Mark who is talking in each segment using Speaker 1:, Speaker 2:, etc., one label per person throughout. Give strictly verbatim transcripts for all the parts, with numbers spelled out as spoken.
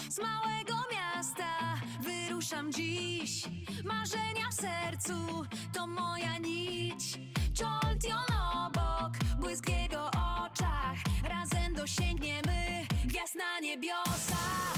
Speaker 1: z małego miasta wyruszam dziś. Marzenia w sercu to moja nić. Joltion obok, błysk w jego oczach. Razem dosięgniemy gwiazd na niebiosach.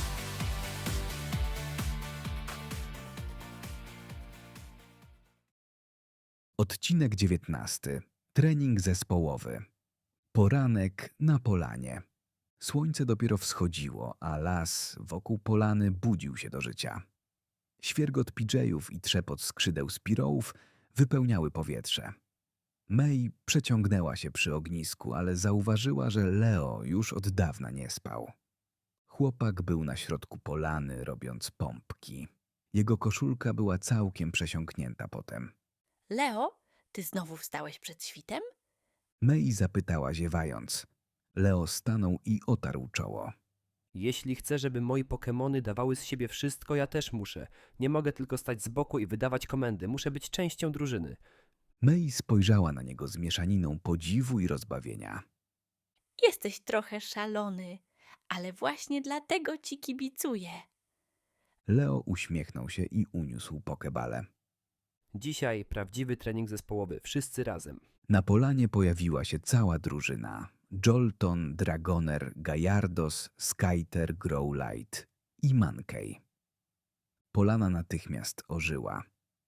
Speaker 2: Odcinek dziewiętnasty. Trening zespołowy. Poranek na polanie. Słońce dopiero wschodziło, a las wokół polany budził się do życia. Świergot pidżejów i trzepot skrzydeł spirołów wypełniały powietrze. May przeciągnęła się przy ognisku, ale zauważyła, że Leo już od dawna nie spał. Chłopak był na środku polany, robiąc pompki. Jego koszulka była całkiem przesiąknięta potem.
Speaker 3: Leo, ty znowu wstałeś przed świtem?
Speaker 2: May zapytała ziewając. Leo stanął i otarł czoło.
Speaker 4: Jeśli chcę, żeby moi Pokemony dawały z siebie wszystko, ja też muszę. Nie mogę tylko stać z boku i wydawać komendy. Muszę być częścią drużyny.
Speaker 2: May spojrzała na niego z mieszaniną podziwu i rozbawienia.
Speaker 3: Jesteś trochę szalony, ale właśnie dlatego ci kibicuję.
Speaker 2: Leo uśmiechnął się i uniósł pokebale.
Speaker 4: Dzisiaj prawdziwy trening zespołowy. Wszyscy razem.
Speaker 2: Na polanie pojawiła się cała drużyna. Jolton, Dragoner, Gallardos, Skyter, Growlithe i Mankey. Polana natychmiast ożyła.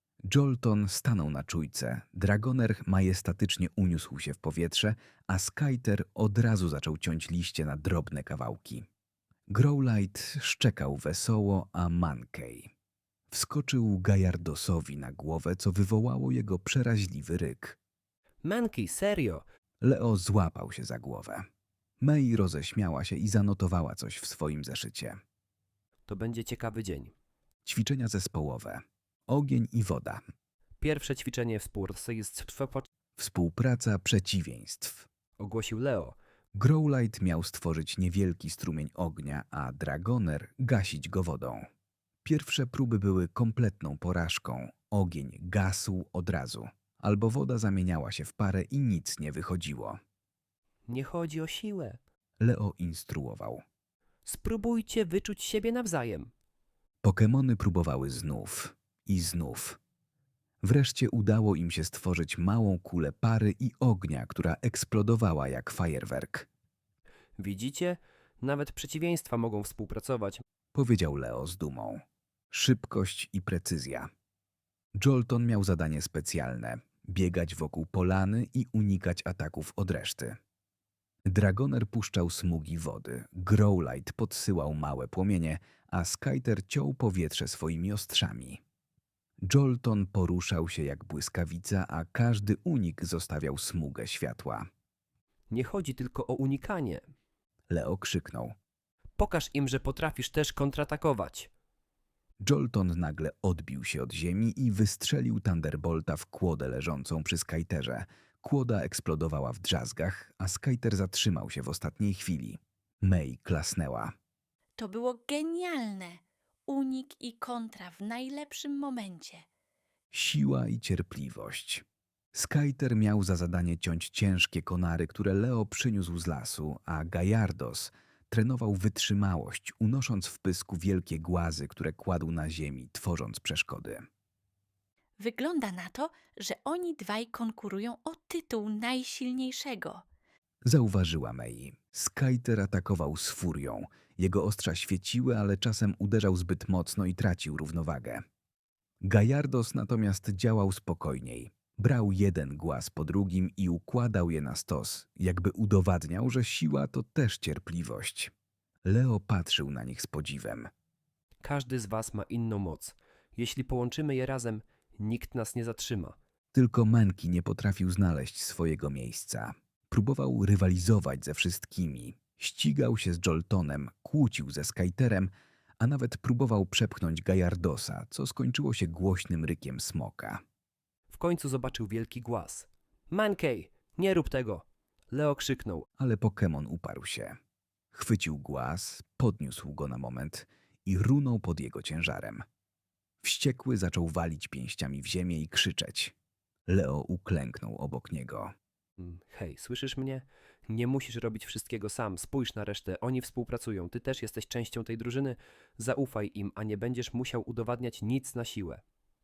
Speaker 2: Jolton stanął na czujce, Dragoner majestatycznie uniósł się w powietrze, a Skyter od razu zaczął ciąć liście na drobne kawałki. Growlithe szczekał wesoło, a Mankey wskoczył Gallardosowi na głowę, co wywołało jego przeraźliwy ryk.
Speaker 4: Mankey, serio?
Speaker 2: Leo złapał się za głowę. May roześmiała się i zanotowała coś w swoim zeszycie.
Speaker 4: To będzie ciekawy dzień.
Speaker 2: Ćwiczenia zespołowe. Ogień i woda.
Speaker 4: Pierwsze ćwiczenie współpracownictwa
Speaker 2: Współpraca przeciwieństw.
Speaker 4: ogłosił Leo.
Speaker 2: Growlithe miał stworzyć niewielki strumień ognia, a Dragoner gasić go wodą. Pierwsze próby były kompletną porażką. Ogień gasł od razu, albo woda zamieniała się w parę i nic nie wychodziło.
Speaker 4: Nie chodzi o siłę.
Speaker 2: Leo instruował.
Speaker 4: Spróbujcie wyczuć siebie nawzajem.
Speaker 2: Pokemony próbowały znów i znów. Wreszcie udało im się stworzyć małą kulę pary i ognia, która eksplodowała jak fajerwerk.
Speaker 4: Widzicie? Nawet przeciwieństwa mogą współpracować.
Speaker 2: Powiedział Leo z dumą. Szybkość i precyzja. Jolton miał zadanie specjalne – biegać wokół polany i unikać ataków od reszty. Dragoner puszczał smugi wody, Growlithe podsyłał małe płomienie, a Skyter ciął powietrze swoimi ostrzami. Jolton poruszał się jak błyskawica, a każdy unik zostawiał smugę światła.
Speaker 4: Nie chodzi tylko o unikanie.
Speaker 2: Leo krzyknął.
Speaker 4: Pokaż im, że potrafisz też kontratakować.
Speaker 2: Jolton nagle odbił się od ziemi i wystrzelił Thunderbolta w kłodę leżącą przy Skyterze. Kłoda eksplodowała w drzazgach, a Skyter zatrzymał się w ostatniej chwili. May klasnęła.
Speaker 3: To było genialne. Unik i kontra w najlepszym momencie.
Speaker 2: Siła i cierpliwość. Skyter miał za zadanie ciąć ciężkie konary, które Leo przyniósł z lasu, a Gallardos trenował wytrzymałość, unosząc w pysku wielkie głazy, które kładł na ziemi, tworząc przeszkody.
Speaker 3: Wygląda na to, że oni dwaj konkurują o tytuł najsilniejszego.
Speaker 2: Zauważyła May. Skyter atakował z furią. Jego ostrza świeciły, ale czasem uderzał zbyt mocno i tracił równowagę. Gallardos natomiast działał spokojniej. Brał jeden głaz po drugim i układał je na stos, jakby udowadniał, że siła to też cierpliwość. Leo patrzył na nich z podziwem.
Speaker 4: Każdy z was ma inną moc. Jeśli połączymy je razem, nikt nas nie zatrzyma.
Speaker 2: Tylko Mankey nie potrafił znaleźć swojego miejsca. Próbował rywalizować ze wszystkimi. Ścigał się z Joltonem, kłócił ze Skyterem, a nawet próbował przepchnąć Gallardosa, co skończyło się głośnym rykiem smoka.
Speaker 4: W końcu zobaczył wielki głaz. Mankey, nie rób tego! Leo krzyknął.
Speaker 2: Ale Pokémon uparł się. Chwycił głaz, podniósł go na moment i runął pod jego ciężarem. Wściekły zaczął walić pięściami w ziemię i krzyczeć. Leo uklęknął obok niego.
Speaker 4: Hej, słyszysz mnie? Nie musisz robić wszystkiego sam. Spójrz na resztę. Oni współpracują. Ty też jesteś częścią tej drużyny. Zaufaj im, a nie będziesz musiał udowadniać nic na siłę.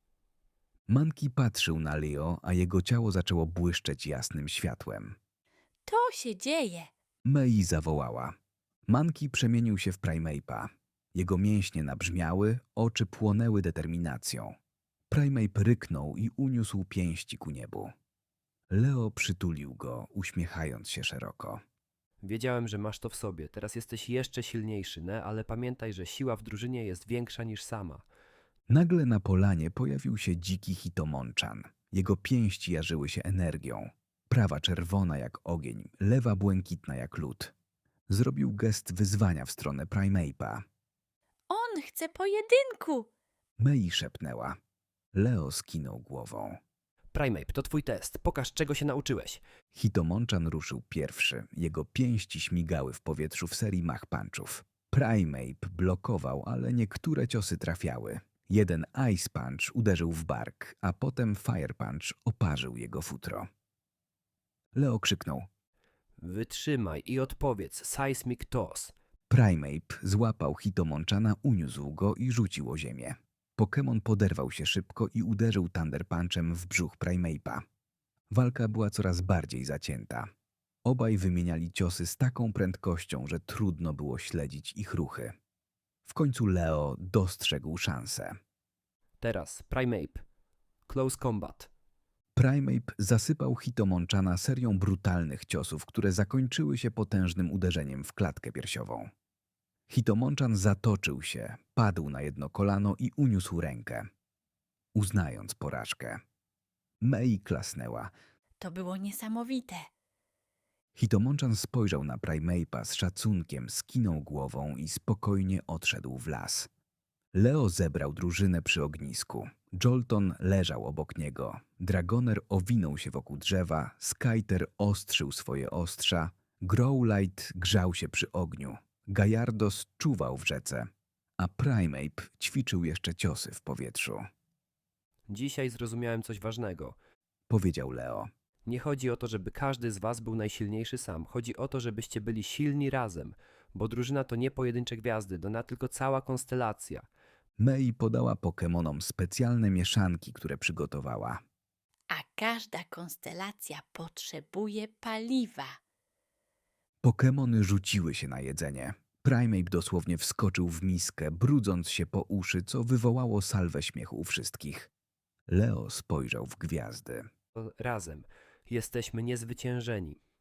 Speaker 2: Monkey patrzył na Leo, a jego ciało zaczęło błyszczeć jasnym światłem.
Speaker 3: To się dzieje.
Speaker 2: Mei zawołała. Monkey przemienił się w Primeape'a. Jego mięśnie nabrzmiały, oczy płonęły determinacją. Primeape ryknął i uniósł pięści ku niebu. Leo przytulił go, uśmiechając się szeroko.
Speaker 4: Wiedziałem, że masz to w sobie. Teraz jesteś jeszcze silniejszy, ne? Ale pamiętaj, że siła w drużynie jest większa niż sama.
Speaker 2: Nagle na polanie pojawił się dziki Hitomonchan. Jego pięści jarzyły się energią. Prawa czerwona jak ogień, lewa błękitna jak lód. Zrobił gest wyzwania w stronę Primeape'a.
Speaker 3: On chce pojedynku.
Speaker 2: Mei szepnęła. Leo skinął głową.
Speaker 4: Primeape, to twój test. Pokaż, czego się nauczyłeś.
Speaker 2: Hitomonchan ruszył pierwszy. Jego pięści śmigały w powietrzu w serii mach punchów. Primeape blokował, ale niektóre ciosy trafiały. Jeden Ice Punch uderzył w bark, a potem Fire Punch oparzył jego futro. Leo krzyknął.
Speaker 4: Wytrzymaj i odpowiedz. Seismic Toss.
Speaker 2: Primeape złapał Hitomonchana, uniósł go i rzucił o ziemię. Pokémon poderwał się szybko i uderzył Thunder Punchem w brzuch Primeape'a. Walka była coraz bardziej zacięta. Obaj wymieniali ciosy z taką prędkością, że trudno było śledzić ich ruchy. W końcu Leo dostrzegł szansę.
Speaker 4: Teraz, Primeape. Close Combat.
Speaker 2: Primeape zasypał Hitomonchana serią brutalnych ciosów, które zakończyły się potężnym uderzeniem w klatkę piersiową. Hitomonchan zatoczył się, padł na jedno kolano i uniósł rękę, uznając porażkę. Mei klasnęła.
Speaker 3: To było niesamowite.
Speaker 2: Hitomonchan spojrzał na Primeape'a z szacunkiem, skinął głową i spokojnie odszedł w las. Leo zebrał drużynę przy ognisku. Jolton leżał obok niego. Dragoner owinął się wokół drzewa, Skyter ostrzył swoje ostrza, Growlite grzał się przy ogniu, Gajardos czuwał w rzece, a Primeape ćwiczył jeszcze ciosy w powietrzu.
Speaker 4: Dzisiaj zrozumiałem coś ważnego.
Speaker 2: Powiedział Leo.
Speaker 4: Nie chodzi o to, żeby każdy z was był najsilniejszy sam. Chodzi o to, żebyście byli silni razem, bo drużyna to nie pojedyncze gwiazdy, to na tylko cała konstelacja.
Speaker 2: Mei podała Pokemonom specjalne mieszanki, które przygotowała.
Speaker 3: A każda konstelacja potrzebuje paliwa.
Speaker 2: Pokemony rzuciły się na jedzenie. Primeape dosłownie wskoczył w miskę, brudząc się po uszy, co wywołało salwę śmiechu u wszystkich. Leo spojrzał w gwiazdy.
Speaker 4: To razem. Jesteśmy niezwyciężeni.